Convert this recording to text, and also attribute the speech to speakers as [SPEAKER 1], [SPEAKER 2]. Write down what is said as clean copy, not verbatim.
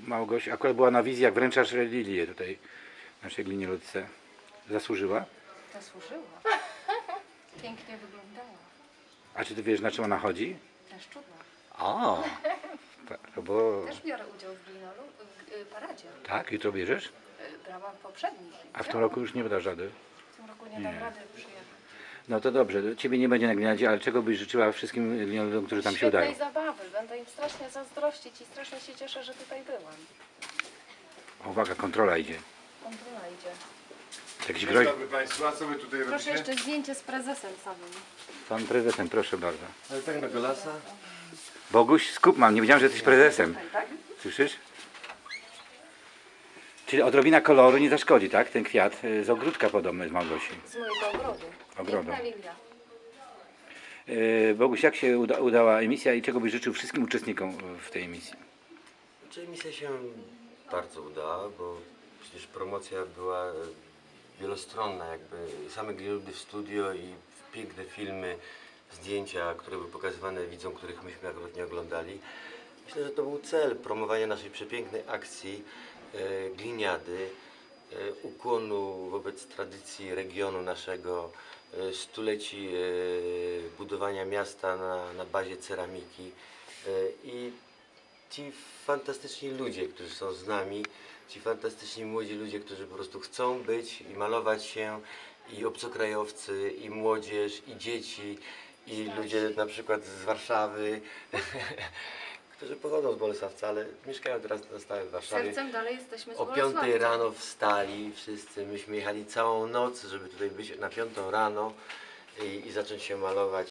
[SPEAKER 1] Małgosia akurat była na wizji, jak wręczasz lilię tutaj naszej gliniolotce. Zasłużyła?
[SPEAKER 2] Zasłużyła. Pięknie wyglądała.
[SPEAKER 1] A czy ty wiesz, na czym ona chodzi?
[SPEAKER 2] Na szczudła.
[SPEAKER 1] O, bo...
[SPEAKER 2] Też biorę udział w paradzie.
[SPEAKER 1] Tak, jutro bierzesz?
[SPEAKER 2] Brałam w poprzednich.
[SPEAKER 1] A w tym roku już nie dasz rady?
[SPEAKER 2] W tym roku nie dam rady przyjechać.
[SPEAKER 1] No to dobrze, ciebie nie będzie na gliniadzie, ale czego byś życzyła wszystkim gliniolodom, którzy tam się udają?
[SPEAKER 2] Świetnej zabawy. Będę im strasznie zazdrościć i strasznie się cieszę, że tutaj byłam.
[SPEAKER 1] Uwaga, kontrola idzie.
[SPEAKER 2] Kontrola idzie.
[SPEAKER 1] Jakiś
[SPEAKER 3] Dzień
[SPEAKER 1] groź...
[SPEAKER 3] dobry Państwu, a co Wy tutaj
[SPEAKER 2] Proszę
[SPEAKER 3] robicie?
[SPEAKER 2] jeszcze zdjęcie z prezesem samym.
[SPEAKER 1] Pan prezesem, proszę bardzo.
[SPEAKER 3] Ale tak na golasa?
[SPEAKER 1] Boguś, skup mam, nie wiedziałem, że jesteś prezesem.
[SPEAKER 2] Tutaj, tak?
[SPEAKER 1] Słyszysz? Czyli odrobina koloru nie zaszkodzi, tak? Ten kwiat z ogródka podobny z Małgosi.
[SPEAKER 2] Z mojego ogrodu.
[SPEAKER 1] Ogrodu.
[SPEAKER 2] Piękna lilia.
[SPEAKER 1] Boguś, jak się udała emisja i czego byś życzył wszystkim uczestnikom w tej emisji?
[SPEAKER 4] Znaczy misja się bardzo udała, bo przecież promocja była wielostronna, jakby same glinioludy w studio i piękne filmy, zdjęcia, które były pokazywane widzom, których myśmy akurat nie oglądali. Myślę, że to był cel promowania naszej przepięknej akcji gliniady, ukłonu wobec tradycji regionu naszego, stuleci budowania miasta na bazie ceramiki i ci fantastyczni ludzie, którzy są z nami, ci fantastyczni młodzi ludzie, którzy po prostu chcą być i malować się, i obcokrajowcy, i młodzież, i dzieci, i ludzie na przykład z Warszawy, którzy pochodzą z Bolesławca, ale mieszkają teraz na stałe w Warszawie.
[SPEAKER 2] Sercem dalej jesteśmy z
[SPEAKER 4] O 5
[SPEAKER 2] Bolesławca.
[SPEAKER 4] rano wstali wszyscy, myśmy jechali całą noc, żeby tutaj być na 5 rano i zacząć się malować